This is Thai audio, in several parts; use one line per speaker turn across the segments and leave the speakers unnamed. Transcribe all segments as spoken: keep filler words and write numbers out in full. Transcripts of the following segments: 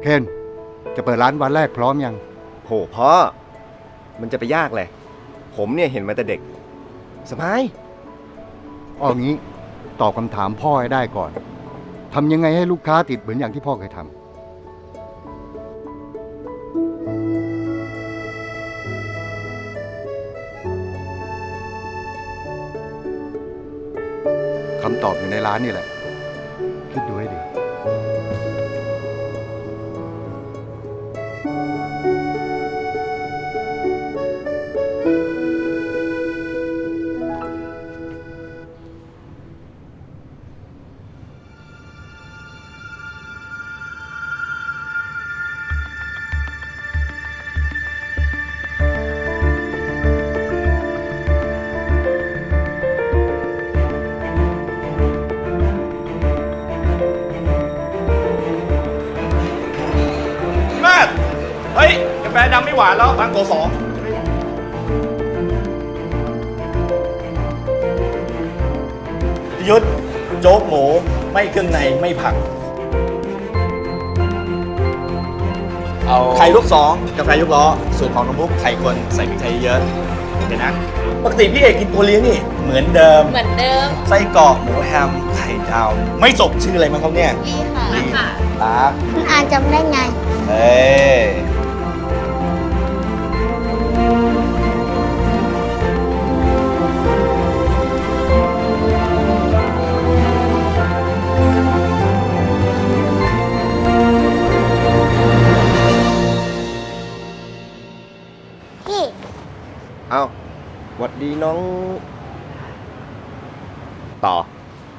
คนจะเปิดร้านวันแรกพร้อมยัง
โหพ่อมันจะไปยากเลยผมเนี่ยเห็นมาแต่เด็กสบาย
เอางี้ตอบคำถามพ่อให้ได้ก่อนทำยังไงให้ลูกค้าติดเหมือนอย่างที่พ่อเคยทำคำตอบอยู่ในร้านนี่แหละคิดดูให้ดี
เฮ้ยกาแฟดำไม่หวานแล้วบางโกสองยุดโจ๊กหมูไม่เครื่องในไม่ผักเอาไข่ลูกสองกาแฟยุกล้อสูตรของน้องบุ๊กไข่คนใส่พริกไทยเยอะเดี๋ยวนะปกติพี่เอกกินตัวเลี้ยงนี่เหมือนเดิม
เหมือนเดิม
ไส้กรอกหมูแฮมไข่ดาวไม่จบชื่ออะไรมั้งครับเนี่ย
ลีค่ะลีค่ะ
ตา
คุณอาจำได้ไง
เฮ้ย
พี่
เอาหวัดดีน้องต่อ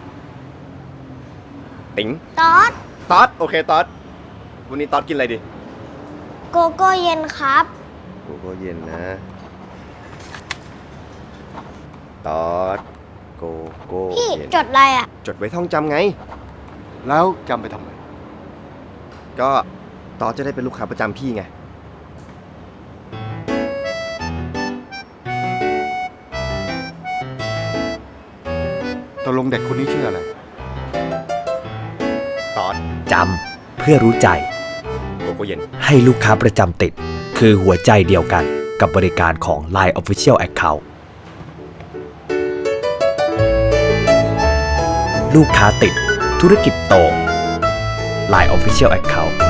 ติ๋ง
ตอด
ตอดโอเคตอดวันนี้ตอดกินอะไรดี
โกโก้เย็นครับ
โกโก้เย็นนะตอดโกโก้
พี่
เย็น
จดอะไรอ่ะ
จดไว้ท่องจำไง
แล้วจำไปทำไม
ก็ตอดจะได้เป็นลูกค้าประจำพี่ไง
ตกลงเด็กคนนี้ชื่ออะไร
ตอด
จำเพื่อรู้ใจ
โกโก้เย็น
ให้ลูกค้าประจำติดคือหัวใจเดียวกันกับบริการของ ไลน์ Official Account ลูกค้าติดธุรกิจโต ไลน์ Official Account